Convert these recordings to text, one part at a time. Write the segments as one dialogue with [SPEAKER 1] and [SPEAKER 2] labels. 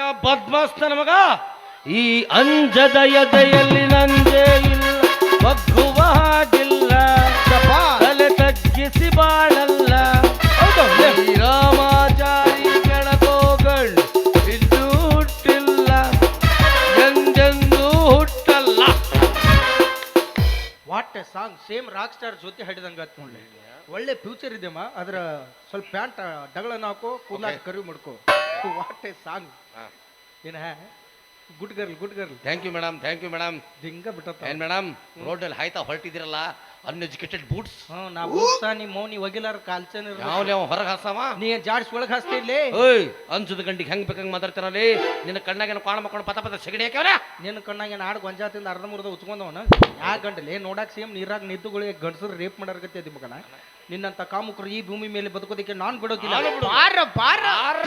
[SPEAKER 1] ಬದ್ಮಾಸ್ ನನ್ನ ಮಗ, ಈ ಅಂಜದ ಎದೆಯಲ್ಲಿ ನಂದೇ ಇಲ್ಲ, ಬಗ್ಗುವ ಹಾಗಿಲ್ಲ, ತಲೆ ತಗ್ಗಿಸಿ ಬಾಳಲ್ಲ. ರಾಮಾಚಾರಿ ಕೆಳಗೋಗಳು ಇದ್ದು ಹುಟ್ಟಿಲ್ಲ, ಎಂದೆಂದೂ ಹುಟ್ಟಲ್ಲ.
[SPEAKER 2] What a song, same rock star ಜೊತೆ ಹಾಡಿದಂಗ ನೋಡ್ಲಿ. ಒಳ್ಳೆ ಫ್ಯೂಚರ್ ಇದೆಮ್ಮ. ಅದ್ರ ಸ್ವಲ್ಪ ಪ್ಯಾಂಟ್ ಡಗಳನ್ನ ಹಾಕೋ, ಕೂದಲಾಗ ಕರಿವು ಮಾಡ್ಕೋ. What a song. ಏನ good girl, good girl.
[SPEAKER 1] Thank you madam, thank you madam.
[SPEAKER 2] ದಿಂಗ ಬಿಟ್ಟ
[SPEAKER 1] ಏನ್ ಮೇಡಮ್, ರೋಡಲ್ಲಿ ಹಾಯ್ತಾ ಹೊರಟಿದಿರಲ್ಲ, ಅನ್ಎಜುಕೇಟೆಡ್ ಬೂಟ್ಸ್.
[SPEAKER 2] ನಾ ಬೂಟ್ಸ ನಿಮ್ಮ ಮೌನಿ ಒಗಿಲಾರ ಕಾಲ್ಚನ್
[SPEAKER 1] ಯಾವ ಹೊರಗೆ ಹಾಸವ,
[SPEAKER 2] ನೀ ಜಾಡ್ಸ್ ಒಳಗೆ ಹಾಸ್ತಿ ಇಲ್ಲಿ.
[SPEAKER 1] ಓಯ್ ಅನ್ಸದ ಗಂಡಿಗೆ ಹೆಂಗ್ ಬೇಕಂಗ್ ಮಾತಾಡ್ತಾರಲ್ಲಿ. ನಿನ್ನ ಕಣ್ಣಾಗ ಕಾಣ ಮಾಡ್ಕೊಂಡು ಪತ ಪತ ಸಗಡಿ ಹಾಕ್ಯಾವ್ರ.
[SPEAKER 2] ನಿನ್ನ ಕಣ್ಣಾಗ ಆಡ್ ಗೊಂಜಾತಿಂದ ಅರ್ಧ ಮುರ್ದ ಉಚ್ಕೊಂಡವನ ಯಾ ಗಂಡಲೆ ನೋಡಾಕ್ ಸೇಮ್ ನೀರಾಗ ನಿಂತುಗಳಿಗೆ ಗಂಡಸರು ರೇಪ್ ಮಾಡಾರ್ಗತ್ತೆ ಅದಿ ಮಗನ. ನಿನ್ನಂತ ಕಾಮುಕರು ಈ ಭೂಮಿ ಮೇಲೆ ಬದುಕೋದಕ್ಕೆ ನಾನ್ ಬಿಡೋದಿಲ್ಲ. ಬಾರ ಬಾರ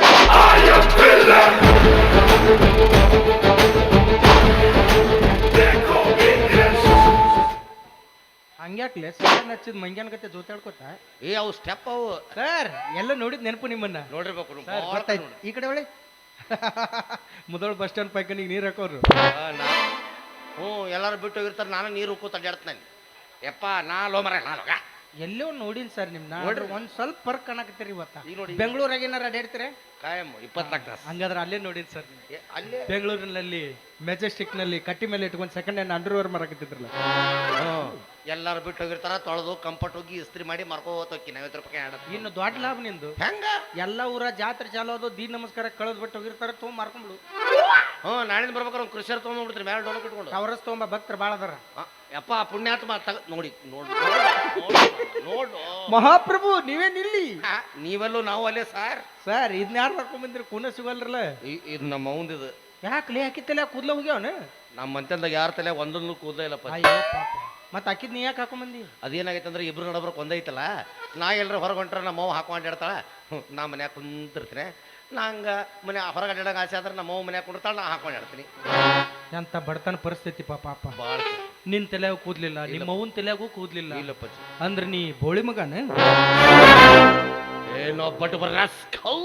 [SPEAKER 2] ಹಂಗ್ಯಾಕ್ಲೆ ಸರ್ ಹಚ್ಚಿದ್ ಮಂಗ್ಯಾನ ಕತೆ ಜೋತಾಡ್ಕೋತ.
[SPEAKER 1] ಅವು ಸ್ಟೆಪ್ ಅವು
[SPEAKER 2] ಸರ್ ಎಲ್ಲ ನೋಡಿದ್ ನೆನಪು ನಿಮ್ಮನ್ನ
[SPEAKER 1] ನೋಡಿರ್ಬೇಕು.
[SPEAKER 2] ಈ ಕಡೆ ಒಳ್ಳೆ ಮುದೋಳ ಬಸ್ ಸ್ಟ್ಯಾಂಡ್ ಪೈಕನಿಗೆ ನೀರ್ ಹಾಕೋರು.
[SPEAKER 1] ಎಲ್ಲಾರು ಬಿಟ್ಟು ಹೋಗಿರ್ತಾರೆ, ನಾನು ನೀರು ಕೂತ ಅಡ್ಡಾಡ್ತಾನೆ. ಯಪ್ಪ ನಾ ಲೋ ಮರ ನಾನು
[SPEAKER 2] ಎಲ್ಲೋ ನೋಡಿನ್ ಸರ್ ನಿಮ್ನ. ನೋಡ್ರಿ ಒಂದ್ ಸ್ವಲ್ಪ ಫರ್ಕ್ ಕಾಣಕತ್ತೀರಿ ಇವತ್ತ.
[SPEAKER 1] ಈಗ ನೋಡಿ
[SPEAKER 2] ಬೆಂಗಳೂರಾಗ ಏನಾರ ಅಡ್ಡಾಡ್ತೀರ
[SPEAKER 1] ಕಾಯಂ 24 ತಾಸು.
[SPEAKER 2] ಹಂಗಾದ್ರೆ ಅಲ್ಲೇ ನೋಡಿನ್ ಸರ್.
[SPEAKER 1] ಅಲ್ಲೇ
[SPEAKER 2] ಬೆಂಗಳೂರಿನಲ್ಲಿ ಮೆಜೆಸ್ಟಿಕ್ ನಲ್ಲಿ ಕಟ್ಟಿ ಮೇಲೆ ಇಟ್ಕೊಂಡು ಸೆಕೆಂಡ್ ಹ್ಯಾಂಡ್ ಅಂಡರ್ವೇರ್ ಮಾರಾಕತ್ತಿದ್ರಲ್ಲ.
[SPEAKER 1] ಎಲ್ಲಾರು ಬಿಟ್ಟು ಹೋಗಿರ್ತಾರ, ತೊಳೆದು ಕಂಫರ್ಟ್ ಹೋಗಿ ಇಸ್ತ್ರಿ ಮಾಡಿ ಮಾರ್ಕೋತ ಹೋಗಿ 50 ರೂಪಾಯಿ ಆಡ.
[SPEAKER 2] ಇನ್ನು ದೊಡ್ಡ ಲಾಭ ನಿಂದು.
[SPEAKER 1] ಹೆಂಗ
[SPEAKER 2] ಎಲ್ಲ ಊರ ಜಾತ್ರೆ ಚಾಲೋ ಅದು, ದೀನ್ ನಮಸ್ಕಾರ ಕಳೆದ್ ಬಿಟ್ಟು ಹೋಗಿರ್ತಾರ, ತೊಗೊಂಡ್ ಮಾರ್ಕೊಂಡ್ಬಿಡು.
[SPEAKER 1] ನಾಳಿಂದ ಬರ್ಬೇಕಾರೆ ಕೃಷಿಯರ್ ತೊಗೊಂಡ್ಬಿಡ್ತೀರಿ ಮೇಲೆ ಡೋಲ್ ಇಟ್ಕೊಂಡು.
[SPEAKER 2] ಟವರಸ್ ತೊಗೊಂಬ ಭಕ್ತರು ಬಾಳ ಅದಾರ.
[SPEAKER 1] ಯಪ್ಪ ಪುಣ್ಯಾತ್ಮ ನೋಡಿ ನೋಡು ನೋಡು
[SPEAKER 2] ಮಹಾಪ್ರಭು ನೀವೇನಿಲ್ಲಿ.
[SPEAKER 1] ನೀವೆಲ್ಲೂ ನಾವು ಅಲ್ಲೇ ಸಾರ್.
[SPEAKER 2] ಸರ್ ಇದನ್ನ ಯಾರು ಹಾಕೊಂಡ್ ಬಂದಿರಿ, ಕೂನ ಸಿಗಲ್ರಲ್ಲ.
[SPEAKER 1] ಇದು ನಮ್ಮ ಅವಂದಿದು.
[SPEAKER 2] ಯಾಕೆ ಹಾಕಿತ್ತಲ್ಲ ಕೂದ್ಲ ಹೋಗ್ಯಾವನ.
[SPEAKER 1] ನಮ್ಮ ಮಂತ್ಯಂದಾಗ ಯಾರ ತಲೆ ಒಂದೊಂದು ಕೂದಲ ಇಲ್ಲಪ್ಪ.
[SPEAKER 2] ಅಯ್ಯೋ ಪಾಪ. ಮತ್ತೆ ಹಾಕಿದ್ ನೀ ಯಾಕೆ ಹಾಕೊಂಡ್ ಬಂದಿ.
[SPEAKER 1] ಅದೇನಾಗೈತೆ ಅಂದ್ರೆ ಇಬ್ರು ನಡಬ್ರಕ್ ಒಂದೈತಲ್ಲ. ನಾ ಎಲ್ಲರೂ ಹೊರಗೆ ಹೊಂಟ್ರೆ ನಮ್ಮ ಅವ್ವ ಹಾಕೊಂಡ್ಯಾಡ್ತಾಳ, ನಾ ಮನ್ಯಾಗ ಕುಂತಿರ್ತೀನಿ. ನಂಗೆ ಮನೆ ಹೊರಗೆ ಅಡ್ಡಾಡಂಗೆ ಆಸೆ ಆದ್ರೆ ನಮ್ಮ ಅವ್ವ ಮನ್ಯಾಗ ಕುಂಡಿರ್ತಾಳ, ನಾ ಹಾಕೊಂಡ್ಯಾಡ್ತೀನಿ.
[SPEAKER 2] ಎಂತ ಬಡತನ ಪರಿಸ್ಥಿತಿ ಪಾಪ.
[SPEAKER 1] ಭಾಳ
[SPEAKER 2] ನಿನ್ ತಲೆಯಾಗೂ ಕೂದ್ಲಿಲ್ಲ, ನಿಮ್ಮ ಅವ್ವನ ತಲೆಯಾಗೂ ಕೂದ್ಲಿಲ್ಲ.
[SPEAKER 1] ಇಲ್ಲಪ್ಪ
[SPEAKER 2] ಅಂದ್ರೆ ನೀ ಬೋಳಿ ಮಗನ.
[SPEAKER 1] ಏನೋ ಬಟ್ ಬರ್ರಾಸ್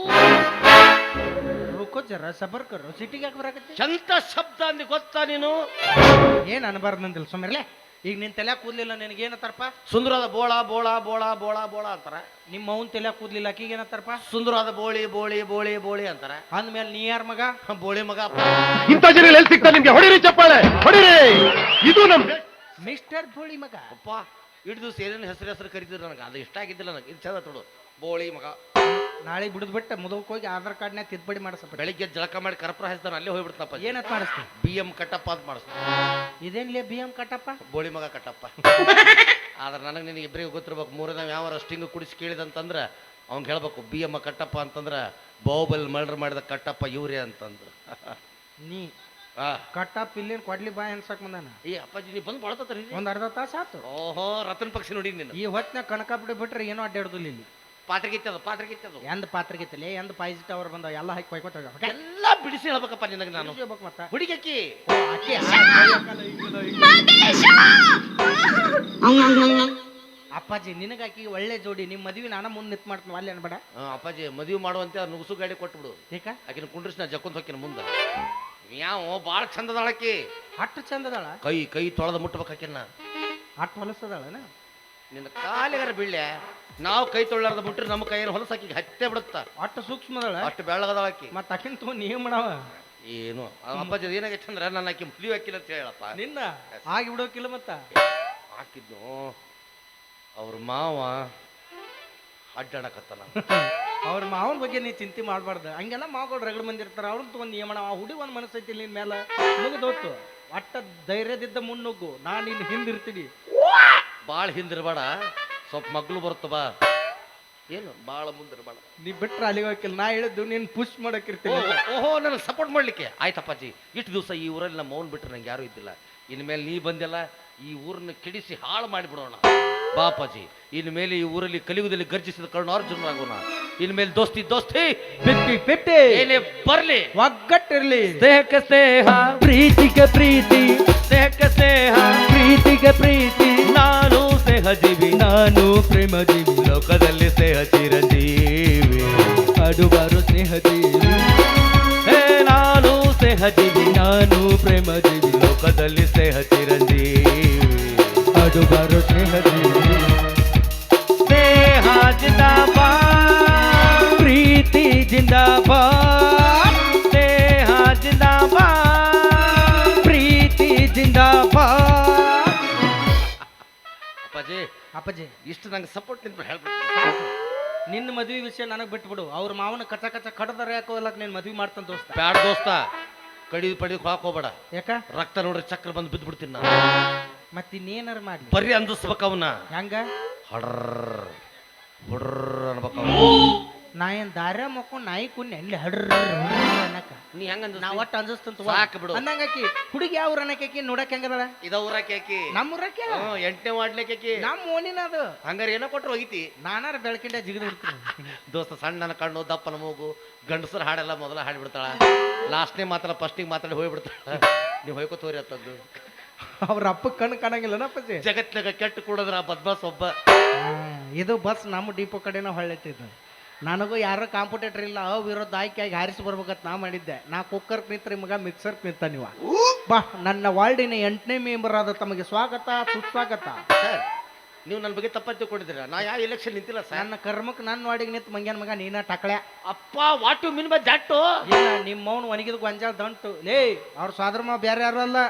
[SPEAKER 2] ರುಕೋ ಜರ ಸಬರ್ ಕರು, ಸಿಟಿಗೆ ಯಾಕೆ ಬರಾಕತ್ತಿ.
[SPEAKER 1] ಎಂತ ಶಬ್ದ ಅಂದಿ ಗೊತ್ತಾ ನೀನು.
[SPEAKER 2] ಏನ್ ಅನ್ಬಾರ್ದಂದಿಲ್ಲ ಸುಮ್ಮನೆ. ಈಗ ನಿನ್ ತಲೆ ಕೂದ್ಲಿಲ್ಲ, ನಿನಗೆ ಏನತ್ತಾರಪ್ಪ.
[SPEAKER 1] ಸುಂದರವಾದ ಬೋಳ ಬೋಳ ಬೋಳ ಬೋಳ ಬೋಳ ಅಂತಾರ.
[SPEAKER 2] ನಿಮ್ಮ ಅವ್ನ ತಲೆ ಕೂದ್ಲಿಲ್ಲ, ಆಕಿಗೆ ಏನತ್ತಾರಪ್ಪ.
[SPEAKER 1] ಸುಂದರವಾದ ಬೋಳಿ ಬೋಳಿ ಬೋಳಿ ಬೋಳಿ ಅಂತಾರ.
[SPEAKER 2] ಅಂದ್ಮೇಲೆ ನೀ ಯಾರ ಮಗ.
[SPEAKER 1] ಬೋಳಿ ಮಗ.
[SPEAKER 3] ಇಂಥ ಜನ ಎಲ್ಲಿ ಸಿಗ್ತಾರೆ ನಿಮ್ಗೆ? ಹೊಡಿರಿ ಚಪ್ಪಾಳೆ ಹೊಡಿರಿ. ಇದು ನಮ್
[SPEAKER 2] ಮಿಸ್ಟರ್ ಬೋಳಿ ಮಗ.
[SPEAKER 1] ಅಪ್ಪ ಇಟ್ಟು ದಿವಸ ಏನೇನು ಹೆಸರು ಕರಿತಿದ್ರು ನನಗೆ, ಅದು ಇಷ್ಟ ಆಗಿದ್ದಿಲ್ಲ ನನಗೆ. ಇದು ಚಂದ ತೊಡು ಬೋಳಿ ಮಗ.
[SPEAKER 2] ನಾಳೆ ಬಿಡದ್ ಬಿಟ್ಟು ಮುದಕ್ ಹೋಗಿ ಆಧಾರ್ ಕಾರ್ಡ್ನ ತಿದ್ದುಪಡಿ ಮಾಡಿಸಪ್ಪ.
[SPEAKER 1] ಬೆಳಿಗ್ಗೆ ಜಳಕ ಮಾಡಿ ಕರ್ಪೂರ ಹಚ್ತಾನೆ, ಅಲ್ಲೇ ಹೋಗ್ಬಿಡ್ತಪ್ಪ.
[SPEAKER 2] ಏನತ್ ಮಾಡಿಸ್ತಿ.
[SPEAKER 1] BM ಕಟ್ಟಪ್ಪ ಅಂತ ಮಾಡಿಸ್ತಾನೆ.
[SPEAKER 2] ಇದೇನ್ಲೇ BM ಕಟ್ಟಪ್ಪ.
[SPEAKER 1] ಬೋಳಿ ಮಗ ಕಟ್ಟಪ್ಪ. ಆದ್ರೆ ನನಗೆ ನಿನಗೆ ಇಬ್ಬರಿಗೂ ಗೊತ್ತಿರ್ಬೇಕು. ಮೂರನೇ ಯಾವ ಸ್ಟಿಂಗ್ ಕುಡಿಸಿ ಕೇಳಿದಂತಂದ್ರೆ ಅವ್ನು ಹೇಳ್ಬೇಕು BM ಕಟ್ಟಪ್ಪ ಅಂತಂದ್ರೆ ಬಾಹುಬಲಿ ಮರ್ಡರ್ ಮಾಡಿದ ಕಟ್ಟಪ್ಪ ಇವ್ರೆ ಅಂತಂದ್ರು.
[SPEAKER 2] ನೀ ಕಟ್ಟಪ್ಪ ಇಲ್ಲೇನು ಕೊಡ್ಲಿ ಬಾಯ್ ಅನ್ಸಕ್ ಬಂದಾನ.
[SPEAKER 1] ಈ ಅಪ್ಪಾಜಿ ನೀ ಬಂದು ಬಳತತ್ರಿ
[SPEAKER 2] ಒಂದ್ ಅರ್ಧ ತಾಸ ಆತು.
[SPEAKER 1] ಓಹೋ ರತನ್ ಪಕ್ಷಿ ನೋಡಿ ನೀನು.
[SPEAKER 2] ಈ ಹೊತ್ತಿನ ಕನಕಾಪುಡಿ ಬಿಟ್ರೆ ಏನೋ ಅಡ್ಡಾಡುದಿಲ್ಲ ಇಲ್ಲಿ.
[SPEAKER 1] ಪಾತ್ರೆಗಿತ್ತದು
[SPEAKER 2] ಎಂದ್ ಪಾತ್ರೆಗಿತ್ತಲೆ, ಎಂದ್ ಪಾಯ್ಸಿ ಟವರ್ ಬಂದಾವ, ಎಲ್ಲ ಹಾಕಿ ಕೊಯ್ಕೋತ
[SPEAKER 1] ಎಲ್ಲ ಬಿಡಿಸಿ ಹೇಳ್ಬೇಕಪ್ಪ ನಿನಗೆ ನಾನು.
[SPEAKER 2] ಮತ್ತ
[SPEAKER 1] ಹುಡುಗಕ್ಕಿ
[SPEAKER 2] ಅಪ್ಪಾಜಿ ನಿನಗಾಕಿ ಒಳ್ಳೆ ಜೋಡಿ. ನಿಮ್ ಮದ್ವಿ ನಾನ ಮುಂದ್ ನಿಂತ್ ಮಾಡ್ತೀನಿ ಅಲ್ಲಿ ಅನ್ಬೇಡ.
[SPEAKER 1] ಅಪ್ಪಾಜಿ ಮದುವೆ ಮಾಡುವಂತೆ ನುಗ್ಸು ಗಾಡಿ ಕೊಟ್ಬಿಡು.
[SPEAKER 2] ಏಕ
[SPEAKER 1] ಆಕಿನ ಕುಂಡ್ರಿಸಿ ನಾ ಜಕ್ಕೊಂಡ್ ಹೋಕಿನ ಮುಂದೆ. ಯಾವ ಭಾಳ ಚಂದದಾಳಕಿ.
[SPEAKER 2] ಅಟ್ಟು ಚಂದದಾಳ.
[SPEAKER 1] ಕೈ ತೊಳೆದ ಮುಟ್ಬೇಕಾಕಿನ.
[SPEAKER 2] ಅಟ್ಟು ಹೊಲಸದಾಳನ.
[SPEAKER 1] ನಿನ್ನ ಕಾಲಿಗಾರ ಬೀಳ್ಯ. ನಾವು ಕೈ ತೊಳ್ಳಾರ್ದ ಬಿಟ್ರೆ ನಮ್ಮ ಕೈಯನ್ನು ಹೊಲಸಾಕಿ ಹತ್ತೆ ಬಿಡುತ್ತ.
[SPEAKER 2] ಅಟ್ಟು ಸೂಕ್ಷ್ಮದಾಳ,
[SPEAKER 1] ಅಷ್ಟು ಬೆಳ್ಳಗದಾಳಕಿ.
[SPEAKER 2] ಮತ್ತ ಅಕ್ಕಿನ ತಗೋ ನೀವ್ ಮಾಡವ
[SPEAKER 1] ಏನು ಅಪ್ಪಾಜಿ ಏನಾಗೈತೆ ಅಂದ್ರೆ ನನ್ನ ಆಕಿ ಮದುವೆ ಹಾಕಿಲ್ಲ ಅಂತ ಹೇಳಪ್ಪ.
[SPEAKER 2] ನಿನ್ನ ಆಗಿ ಬಿಡೋಕಿಲ್ಲ. ಮತ್ತ
[SPEAKER 1] ಹಾಕಿದ್ನು ಅವ್ರ ಮಾವ ಅಡ್ಡಾಡಕತ್ತಾನ.
[SPEAKER 2] ಅವ್ರ ಮಾವನ ಬಗ್ಗೆ ನೀ ಚಿಂತೆ ಮಾಡ್ಬಾರ್ದು. ಹಂಗೆಲ್ಲ ಮಾವುಗಳು ರಗಡ್ ಬಂದಿರ್ತಾರ, ಅವ್ರನ್ನ ತಗೊಂಡ್ ಏನ್ ಮಾಡವ. ಹುಡಿ ಒಂದ್ ಮನಸ್ಸೈತಿ ನಿನ್ ಮೇಲೆ ಮುಗಿದೋತು. ಒಟ್ಟ ಧೈರ್ಯದಿದ್ದ ಮುನ್ನುಗ್ಗು, ನಾನ್ ನಿನ್ ಹಿಂದಿರ್ತೀನಿ.
[SPEAKER 1] ಭಾಳ ಹಿಂದಿರ್ಬೇಡ, ಸ್ವಲ್ಪ ಮಗ್ಳು ಬರುತ್ತ ಬಾ. ಏನು ಭಾಳ ಮುಂದಿರ್ಬೇಡ.
[SPEAKER 2] ನೀ ಬಿಟ್ರೆ ಅಲ್ಲಿಗೆ ಹೋಗಿಲ್ಲ. ನಾ ಹೇಳಿದ್ದು ನೀನ್ ಪುಷ್ ಮಾಡಕ್ಕಿರ್ತೀನಿ.
[SPEAKER 1] ಓಹೋ ನನಗೆ ಸಪೋರ್ಟ್ ಮಾಡ್ಲಿಕ್ಕೆ ಆಯ್ತಪ್ಪಾಜಿ. ಇಷ್ಟು ದಿವಸ ಈ ಊರಲ್ಲಿ ನಮ್ಮ ಮೌನ್ ಬಿಟ್ರೆ ನಂಗೆ ಯಾರು ಇದ್ದಿಲ್ಲ. ಇನ್ಮೇಲೆ ನೀ ಬಂದೆಲ್ಲ, ಈ ಊರನ್ನ ಕೆಡಿಸಿ ಹಾಳು ಮಾಡಿಬಿಡೋಣ ಬಾಪಾಜಿ. ಇನ್ಮೇಲೆ ಈ ಊರಲ್ಲಿ ಕಲಿಯುಗದಲ್ಲಿ ಗರ್ಜಿಸಿದ ಕರ್ಣಾರ್ಜುನರಾಗೋಣ. ಇನ್ಮೇಲೆ ದೋಸ್ತಿ
[SPEAKER 2] ಪೆಟ್ಟಿ
[SPEAKER 1] ಏನೇ ಬರ್ಲಿ,
[SPEAKER 2] ಒಗ್ಗಟ್ಟಿರ್ಲಿ.
[SPEAKER 1] ಸ್ನೇಹಕ್ಕೆ ಸ್ನೇಹ,
[SPEAKER 2] ಪ್ರೀತಿಗೆ ಪ್ರೀತಿ,
[SPEAKER 1] ಸ್ನೇಹಕ್ಕೆ ಸ್ನೇಹ,
[SPEAKER 2] ಪ್ರೀತಿಗೆ ಪ್ರೀತಿ.
[SPEAKER 1] ನಾನು ಸ್ನೇಹ ಜೀವಿ,
[SPEAKER 2] ನಾನು ಪ್ರೇಮ ಜೀವಿ,
[SPEAKER 1] ಲೋಕದಲ್ಲಿ ಸ್ನೇಹ ಚಿರಂಜೀವಿ.
[SPEAKER 2] ಆಡುಬಾರು ಸ್ನೇಹ ಜೀವಿ.
[SPEAKER 1] ಹೇ ನಾನು
[SPEAKER 2] ಜೀವಿ ನಾನು ಪ್ರೇಮ ಜೀವಿ
[SPEAKER 1] ಲೋಕದಲ್ಲಿ ಸ್ನೇಹ ಚಿರಂಜೀವಿ
[SPEAKER 2] ಹಾಡುಗಾರು ಸ್ನೇಹ ಜೀವಿ
[SPEAKER 1] ಸ್ನೇಹ ಜಿಂದಾಬಾದ್
[SPEAKER 2] ಪ್ರೀತಿ ಜಿಂದಾಬಾದ್
[SPEAKER 1] ಸ್ನೇಹ ಜಿಂದಾಬಾದ್
[SPEAKER 2] ಪ್ರೀತಿ ಜಿಂದಾಬಾದ್
[SPEAKER 1] ಅಪ್ಪಾಜಿ
[SPEAKER 2] ಅಪ್ಪಾಜಿ
[SPEAKER 1] ಇಷ್ಟು ನಂಗೆ ಸಪೋರ್ಟ್ ನಿಂತು ಹೇಳ್ಬಿಟ್ಟು
[SPEAKER 2] ನಿನ್ನ ಮದ್ವಿ ವಿಷಯ ನನಗೆ ಬಿಟ್ಬಿಡು ಅವ್ರ ಮಾವನ ಕಚ್ಚ ಕಚ್ಚ ಕಡದಾರ ಯಾಕೋ ಎಲ್ಲ ನೀನು ಮದ್ವಿ ಮಾಡ್ತಾನ ದೋಸ್ತ
[SPEAKER 1] ಬ್ಯಾಡ ದೋಸ್ತ ಕಡಿದು ಪಡಿದು ಹೋಗ್ಬೇಡ
[SPEAKER 2] ಯಾಕ
[SPEAKER 1] ರಕ್ತ ನೋಡ್ರಿ ಚಕ್ರ ಬಂದು ಬಿದ್ದು ಬಿಡ್ತೀನಿ ನಾನು
[SPEAKER 2] ಮತ್ತೆ ಇನ್ನೇನಾರ ಮಾಡ್ಲಿ
[SPEAKER 1] ಬರ್ರಿ ಅಂದಿಸ್ಬೇಕ ಅವನ್ನ
[SPEAKER 2] ಹೆಂಗ
[SPEAKER 1] ಹಡ್ರ ಹುಡ್ರ ಅನ್ಬೇಕ
[SPEAKER 2] ನಾ ಏನ್ ದಾರ ಮಕ್ಕೊಂಡ್ ನಾಯಿ ಕುನ್ನೆ ಅಲ್ಲಿ ಹಡ್ರ ಅನ್ನಕ
[SPEAKER 1] ನೀ ಹೆಂಗ
[SPEAKER 2] ನಾ ಒಟ್ಟು ಅಂಜಿಸ್ತಂತ
[SPEAKER 1] ಸಾಕು ಬಿಡು.
[SPEAKER 2] ಅನ್ನಂಗಾಕಿ ಹುಡುಗಿ ಯಾವ ಅನ್ನಕಿ ನೋಡಕ್ ಹೆಂಗದಳ
[SPEAKER 1] ಇದ ಊರಾಕಿ ಆಕಿ
[SPEAKER 2] ನಮ್ಮ ಊರಕ್ಕೆ
[SPEAKER 1] 8ನೇ ವಾರ್ಡ್ಲಿಕ್ಕೆ ಆಕಿ
[SPEAKER 2] ನಮ್ಮ ಓನಿನ ಅದು
[SPEAKER 1] ಹಂಗಾರ ಏನೋ ಕೊಟ್ರು ಹೋಗಿತಿ
[SPEAKER 2] ನಾನಾರ ಬೆಳಕಿಂಡ ಜಿಗಿದು ಬಿಡ್ತೀನಿ
[SPEAKER 1] ದೋಸ್ತ ಸಣ್ಣನ ಕಣ್ಣು ದಪ್ಪನ ಮೂಗು ಗಂಡಸರ ಹಾಡೆಲ್ಲ ಮೊದಲ ಹಾಡ್ಬಿಡ್ತಾಳ ಲಾಸ್ಟ್ನೇ ಮಾತ್ರ ಫಸ್ಟಿಗೆ ಮಾತಾಡಿ ಹೋಗ್ಬಿಡ್ತಾಳ ನೀವು ಹೋಯ್ಕೋತೋರಿ ಅಂತದ್ದು
[SPEAKER 2] ಅವ್ರ ಅಪ್ಪ ಕಣ್ಣು ಕಾಣಂಗಿಲ್ಲನ ಅಪ್ಪಾಜಿ
[SPEAKER 1] ಜಗತ್ನಾಗ ಕೆಟ್ಟ ಕೂಡದ್ರ ಆ ಬದ್ಮಾಸ್ ಒಬ್ಬ
[SPEAKER 2] ಇದು ಬಸ್ ನಮ್ಮ ಡಿಪೋ ಕಡೆನ ಹೊಳ್ಳೆತ್ತಿದ್ದು ನನಗೂ ಯಾರೋ ಕಾಂಪಿಟೇಟರ್ ಇಲ್ಲ ವಿರೋಧ ಆಯ್ಕೆಯಾಗಿ ಹಾರಿಸಿ ಬರ್ಬೇಕಂತ ನಾ ಮಾಡಿದ್ದೆ ನಾ ಕುಕ್ಕರ್ ನಿಂತ್ರಿ ಮಗ ಮಿಕ್ಸರ್ ನಿಂತ ನೀವು ಬಾ ನನ್ನ ವಾರ್ಡಿನ 8ನೇ ಮೆಂಬರ್ ಆದ ತಮಗೆ ಸ್ವಾಗತ ಸುಸ್ವಾಗತ
[SPEAKER 1] ಸರ್ ನೀವು ನನ್ನ ಬಗ್ಗೆ ತಪ್ಪ ತಿಳ್ಕೊಂಡಿದ್ದೀರಾ ನಾ ಯಾವ ಎಲೆಕ್ಷನ್ ನಿಂತಿಲ್ಲ ಸರ್
[SPEAKER 2] ನನ್ನ ಕರ್ಮಕ್ಕೆ ನನ್ನ ವಾರ್ಡಿಗೆ ನಿಂತು ಮಂಗ್ಯಾನ ಮಗ ನೀನ ಟಕಳೆ
[SPEAKER 1] ಅಪ್ಪ what you mean by that
[SPEAKER 2] ಇಲ್ಲ ನಿಮ್ಮ ಮೌನ್ ಒಣಗಿದ ಗೊಂಜಾಳ ದಂಟು ಲೇ ಅವ್ರ ಸ್ವಾದ್ರಮ ಬೇರೆ ಯಾರು ಅಲ್ಲ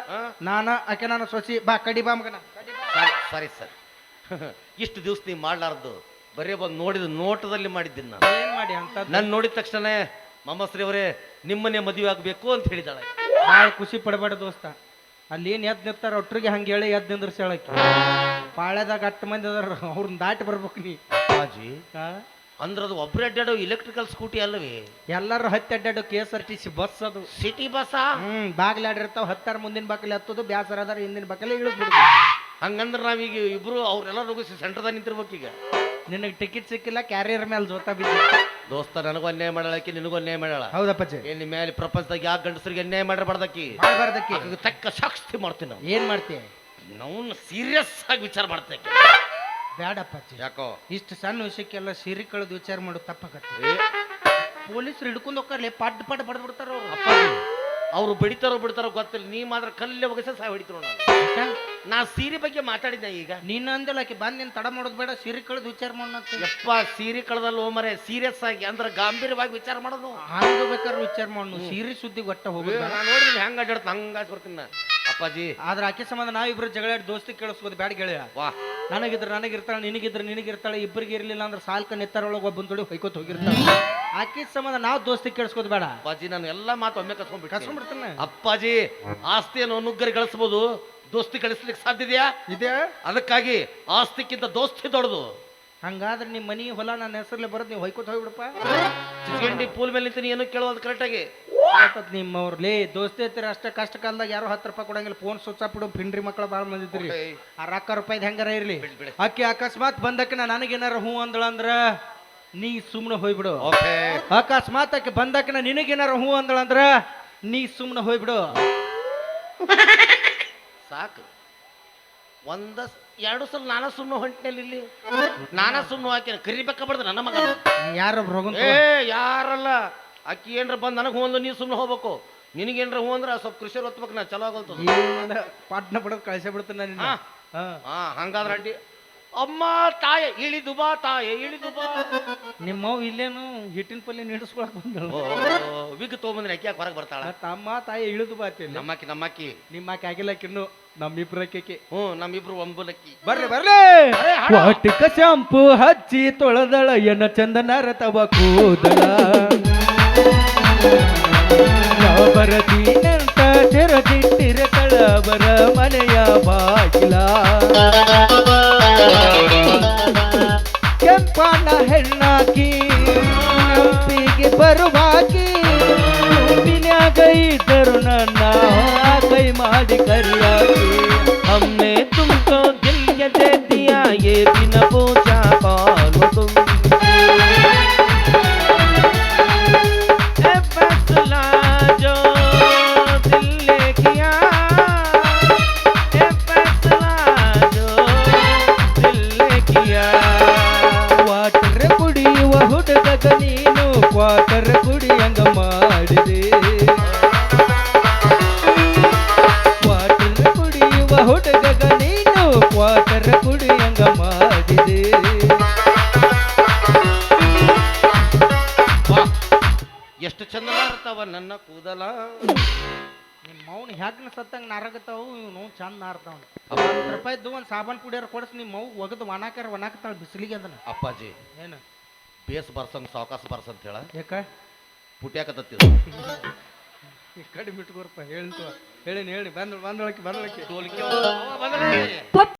[SPEAKER 2] ಆಕೆ ನಾನು ಸೊಸಿ ಬಾ ಕಡಿ ಬಾ ಮಗನ
[SPEAKER 1] ಸಾರಿ ಸರ್ ಇಷ್ಟು ದಿವಸ ನೀವು ಮಾಡ್ಲಾರ್ದು ಬರೀ ಬಂದು ನೋಡಿದ ನೋಟದಲ್ಲಿ ಮಾಡಿದ್ದೀನಿ ನಾನು
[SPEAKER 2] ಏನ್ ಮಾಡಿ ಅಂತ
[SPEAKER 1] ನಾನು ನೋಡಿದ ತಕ್ಷಣ ಮಮ್ಮಶ್ರೀ ಅವರೇ ನಿಮ್ಮನ್ನೇ ಮದುವೆ ಆಗಬೇಕು ಅಂತ ಹೇಳಿದಾಳೆ
[SPEAKER 2] ಭಾಳ ಖುಷಿ ಪಡಬೇಡ ದೋಸ್ತ ಅಲ್ಲಿ ಏನು ಎದ್ದು ನಿಂತಾರ ಒಟ್ಟರಿಗೆ ಹಂಗೆ ಹೇಳಿ ಎದ್ದು ನಿಂದ್ರಸಿ ಹೇಳಕ್ಕೆ ಪಾಳ್ಯದಾಗ 10 ಮಂದಿ ಅದಾರ ಅವ್ರನ್ನ ದಾಟಿ ಬರ್ಬೇಕು ನೀ
[SPEAKER 1] ಬಾಜಿ ಅಂದ್ರೆ ಅದು ಒಬ್ಬರು ಅಡ್ಡಾಡೋ ಇಲೆಕ್ಟ್ರಿಕಲ್ ಸ್ಕೂಟಿ ಅಲ್ಲವೇ
[SPEAKER 2] ಎಲ್ಲರೂ ಹತ್ತಿ ಅಡ್ಡಾಡೋ KSRTC ಬಸ್ ಅದು
[SPEAKER 1] ಸಿಟಿ ಬಸ್
[SPEAKER 2] ಬಾಗ್ಲಾಡಿರ್ತಾವ ಹತ್ತಾರ ಮುಂದಿನ ಬಾಕಲಿ ಹತ್ತೋದು ಬ್ಯಾಸರ ಅದಾರ ಹಿಂದಿನ ಬಾಕಲಿ ಇಳಿದ್ಬಿಡುದು
[SPEAKER 1] ಹಂಗಂದ್ರೆ ನಾವೀಗ ಇಬ್ರು ಅವ್ರೆಲ್ಲ ರೋಗಿಸಿ ಸೆಂಟರ್ದಾಗ ನಿಂತಿರ್ಬೇಕು ಈಗ
[SPEAKER 2] ನಿನಗೆ ಟಿಕೆಟ್ ಸಿಕ್ಕಿಲ್ಲ ಕ್ಯಾರಿಯರ್ ಮೇಲೆ ಜೋತಾ ಬಿದ್ದ
[SPEAKER 1] ದೋಸ್ತ ನನಗೂ ಅನ್ಯಾಯ ಮಾಡಳಕ್ಕೆ ನಿನಗೂ ಅನ್ಯಾಯ ಮಾಡಳ
[SPEAKER 2] ಹೌದಪ್ಪಚ್ಚಿ
[SPEAKER 1] ಏನ್ ಮೇಲೆ ಪ್ರಪಂಚದಾಗ ಯಾವ ಗಂಡಸರಿಗೆ ಅನ್ಯಾಯ ಮಾಡಿರಬಾರ್ದಕ್ಕಿ
[SPEAKER 2] ಮಾಡಬಾರ್ದಕ್ಕೆ
[SPEAKER 1] ಆಕೆಗೆ ತಕ್ಕ ಶಾಸ್ತಿ ಮಾಡ್ತೀನಿ ನಾವು
[SPEAKER 2] ಏನ್ ಮಾಡ್ತೀಯ
[SPEAKER 1] ನಾವು ಸೀರಿಯಸ್ ಆಗಿ ವಿಚಾರ ಮಾಡ್ತೇವೆ
[SPEAKER 2] ಬ್ಯಾಡಪ್ಪಚ್ಚಿ
[SPEAKER 1] ಯಾಕೋ
[SPEAKER 2] ಇಷ್ಟು ಸಣ್ಣ ವಿಷಯಕ್ಕೆಲ್ಲ ಸಿರಿ ಕಳೆದು ವಿಚಾರ ಮಾಡೋದು ತಪ್ಪಾಗತ್ತೆ
[SPEAKER 1] ಏ
[SPEAKER 2] ಪೊಲೀಸರು ಹಿಡ್ಕೊಂಡು ಹೋಗ್ತಾರಲ್ಲ ಪಡ್ ಪಡ್ ಬಡ್ದು ಬಿಡ್ತಾರ ಅವ್ರು
[SPEAKER 1] ಅಪ್ಪಾಜಿ ಅವ್ರು ಬಿಡಿತಾರೋ ಬಿಡ್ತಾರೋ ಗೊತ್ತಿಲ್ಲ ನೀ ಮಾತ್ರ ಕಲ್ಲೇ ಒಗಸ ಸಹ ಹೊಡಿತಿರೋ ನಾನು ನಾ ಸೀರೆ ಬಗ್ಗೆ ಮಾತಾಡಿದ್ದೆ ಈಗ
[SPEAKER 2] ನೀನು ಅಂದಿಲ್ಲ ಆಕೆ ಬಂದು ನೀನು ತಡ ಮಾಡೋದು ಬೇಡ ಸಿರಿ ಕಳೆದು ವಿಚಾರ ಮಾಡೋಣ
[SPEAKER 1] ಯಪ್ಪ ಸೀರೆ ಕಳೆದಲ್ಲ ಮರೆ ಸೀರಿಯಸ್ ಆಗಿ ಅಂದ್ರೆ ಗಾಂಭೀರ್ಯವಾಗಿ ವಿಚಾರ ಮಾಡೋದು
[SPEAKER 2] ಹಂಗ ಬೇಕಾದ್ರೆ ವಿಚಾರ ಮಾಡೋಣ ಸೀರಿ ಸುದ್ದಿ ಒಟ್ಟ ಹೋಗೋದು
[SPEAKER 1] ನಾನು ನೋಡಿದ್ರೆ ಹೆಂಗ ಅಡ್ಡಾಡ್ತ ಹಂಗ ಬರ್ತೀನಿ ನಾ ಅಪ್ಪಾಜಿ
[SPEAKER 2] ಆದ್ರೆ ಆಕೆ ಸಂಬಂಧ ನಾವಿಬ್ರು ಜಗಳಾಡಿ ದೋಸ್ತಿ ಕೇಳಿಸ್ಬೋದು ಬ್ಯಾಡ ಗೆಳೆಯ
[SPEAKER 1] ವಾ
[SPEAKER 2] ನನಗಿರ್ತಾಳೆ ನಿನಗಿರ್ತಾಳೆ ಇಬ್ಬರಿಗೆ ಇರ್ಲಿಲ್ಲ ಅಂದ್ರೆ ಸಾಲ್ಕ ನೆತ್ತಾರೊಳಗೆ ಒಬ್ಬನ ತೊಡಿ ಹೊಯ್ಕೋತ ಹೋಗಿರ್ತಾಳೆ ಆಕೆ ಸಂಬಂಧ ನಾವು ದೋಸ್ತಿ ಕೇಳಿಸ್ಕೋದು ಬೇಡ
[SPEAKER 1] ಅಪ್ಪಾಜಿ ನಾನು ಎಲ್ಲಾ ಮಾತು ಒಮ್ಮೆ
[SPEAKER 2] ಕಸ್ಕೊಂಡ್ಬಿಡ್ತಾನೆ
[SPEAKER 1] ಅಪ್ಪಾಜಿ ಆಸ್ತಿಯನ್ನು ನುಗ್ಗರಿ ಗಳಿಸ್ಬೋದು ದೋಸ್ತಿ ಗಳಿಸ್ಲಿಕ್ಕೆ ಸಾಧ್ಯ ಇದೆಯಾ
[SPEAKER 2] ಇದೆ
[SPEAKER 1] ಅದಕ್ಕಾಗಿ ಆಸ್ತಿಕ್ಕಿಂತ ದೋಸ್ತಿ ದೊಡ್ಡದು
[SPEAKER 2] ಹಂಗಾದ್ರೆ ನಿಮ್ಮ ಮನಿ ಹೊಲ ನನ್ನ ಹೆಸರಲ್ಲೇ ಬರೋದು ನೀವು ಹೊಯ್ಕೋತ ಹೋಗ್ಬಿಡಪ್ಪ
[SPEAKER 1] ಚಿಚ್ಕಂಡಿ ಪೂಲ್ ಮೇಲೆ ನಿಂತು ಏನು ಕೇಳೋದು ಕರೆಕ್ಟಾಗಿ
[SPEAKER 2] ನಿಮ್ಮವ್ರಲೇ ದೋಸ್ತಿ ಐತಿರ ಅಷ್ಟೇ ಕಷ್ಟ ಕಾಲದಾಗ ಯಾರು 10 ರೂಪಾಯಿ ಕೊಡಂಗಿಲ್ಲ ಫೋನ್ ಸ್ವಿಚ್ ಆಫ್ ಬಿಡು ಪಿಂಡ್ರಿ ಮಕ್ಕಳು ಭಾಳ ಮಂದಿದ್ರಿ ಆ ರೊಕ್ಕ ರೂಪಾಯಿದ್ ಹೆಂಗಾರ ಇರ್ಲಿ ಆಕೆ ಅಕಸ್ಮಾತ್ ಬಂದಕ್ಕೆ ನನಗೇನಾರ ಹೂ ಅಂದಳಂದ್ರ ನೀ ಸುಮ್ಮನೆ ಹೋಗ್ಬಿಡು ಅಕಸ್ಮಾತ್ ಆಕೆ ಬಂದಕ್ಕೆ ನಿನಗೇನಾರ ಹೂ ಅಂದಳಂದ್ರ ನೀ ಸುಮ್ಮನೆ ಹೋಗ್ಬಿಡು
[SPEAKER 1] ಸಾಕು ಎರಡು ಸಲ ನಾನಾ ಸುಮ್ಮನೆ ಹೊಂಟಿನಲ್ಲಿ ಇಲ್ಲಿ ನಾನಾ ಸುಮ್ಮನೆ ಹಾಕಿ ಕರಿಬೇಕಬಾರ್ದು ನನ್ನ ಮಗ
[SPEAKER 2] ಯಾರೊಬ್ರು ಹೋಗ
[SPEAKER 1] ಏ ಯಾರಲ್ಲ ಅಕ್ಕಿ ಏನ್ರ ಬಂದು ನನಗೆ ಹೂ ಅಂದು ನೀ ಸುಮ್ಮನೆ ಹೋಗ್ಬೇಕು ನಿನಗೇನ್ರ ಹೂ ಅಂದ್ರೆ ಸ್ವಲ್ಪ ಕೃಷಿ ಹೊತ್ಬೇಕು ನಾ ಚಲೋ ಆಗಲ್ತದ
[SPEAKER 2] ಪಾಟ್ನ ಬಿಡೋದು ಕಳಿಸೇ ಬಿಡ್ತೀನಿ ನಾನು
[SPEAKER 1] ಹಾ ಹಂಗಾದ್ರೆ ಅಡ್ಡಿ ಅಮ್ಮ ತಾಯ ಇಳಿದು ಬಾ ತಾಯ ಇಳಿದು ಬಾ
[SPEAKER 2] ನಿಮ್ಮವ್ ಇಲ್ಲೇನು ಹಿಟ್ಟಿನ ಪಲ್ಯ ನೀಡಿಸ್ಕೊಳಕ್ ಬಂದಳು
[SPEAKER 1] ವಿಗ್ ತೊಗೊಂಬಂದ್ರೆ ಅಕ್ಕಿ ಹೊರಗೆ ಬರ್ತಾಳ
[SPEAKER 2] ತಮ್ಮ ತಾಯಿ ಇಳಿದು ಬಾತಿಲ್ಲ
[SPEAKER 1] ನಮ್ಮಕ್ಕಿ
[SPEAKER 2] ನಿಮ್ಮಕ್ಕಿ ಆಗಿಲ್ಲಕ್ಕಿನ್ನು ನಮ್ಮಿಬ್ರಕ್ಕೆ
[SPEAKER 1] ನಮ್ಮಿಬ್ರು ಒಂಬಲಕ್ಕಿ
[SPEAKER 2] ಬರ್ರಿ ಬರ್ಲಿ ವಾಟಿಕ ಶಾಂಪು ಹಚ್ಚಿ ತೊಳೆದಳ ಎನ್ನ ಚಂದನ ರತವ ಕೂದಲ ಬರತೀನಂತ ತೆರದಿಟ್ಟಿರತಳ ಬರ ಮನೆಯ ಬಾಗಿಲ ಕೆಂಪನ ಹೆಣ್ಣಾಕಿ ನಂಬಿಗೆ ಬರುವಾಕಿ ಗುಂಪಿನ್ಯಾಗ ಇದ್ದರು ನನ್ನ ಕೈ ಮಾಡಿ ಕರಿಯಾಕಿ
[SPEAKER 1] हमने तुमको दिल ये दे दिया ये बिन पूछा कौन हो तुम ನನ್ನ ಕೂದಲ.
[SPEAKER 2] ನಿಮ್ಮ ಮೌನ್ ಹ್ಯಾಕ್ನ ಸತ್ತಂಗ ನಾರಾಗತ್ತಾವು ಇವ್ನು ಚಂದ ನಾರ್ತಾವ.
[SPEAKER 1] ಅಪ್ಪ,
[SPEAKER 2] 10 ರೂಪಾಯಿದ್ದು ಒಂದು ಸಾಬಾನ್ ಪುಡಿಯಾರ ಕೊಡಿಸ್ ನಿಮ್ಮ ಮೌ ಒಗದು ಒಣಾಕ್ತಾಳ ಬಿಸಿಲಿಗೆ ಅದನ್ನ.
[SPEAKER 1] ಅಪ್ಪಾಜಿ
[SPEAKER 2] ಏನು
[SPEAKER 1] ಬೇಸ್ ಬರ್ಸಂಗ್ ಸಾವಕಾಶ ಬರ್ಸ ಅಂತ ಹೇಳ
[SPEAKER 2] ಯಾಕ
[SPEAKER 1] ಪುಟ್ಯಾಕತ್ತಿದ
[SPEAKER 2] ಈ ಕಡಿಮೆ ಇಟ್ಕೋರಪ್ಪ ಹೇಳ್ತು ಹೇಳಿ ಬಂದಳಕ್ಕೆ
[SPEAKER 1] ಟೋಲ್ಕಿ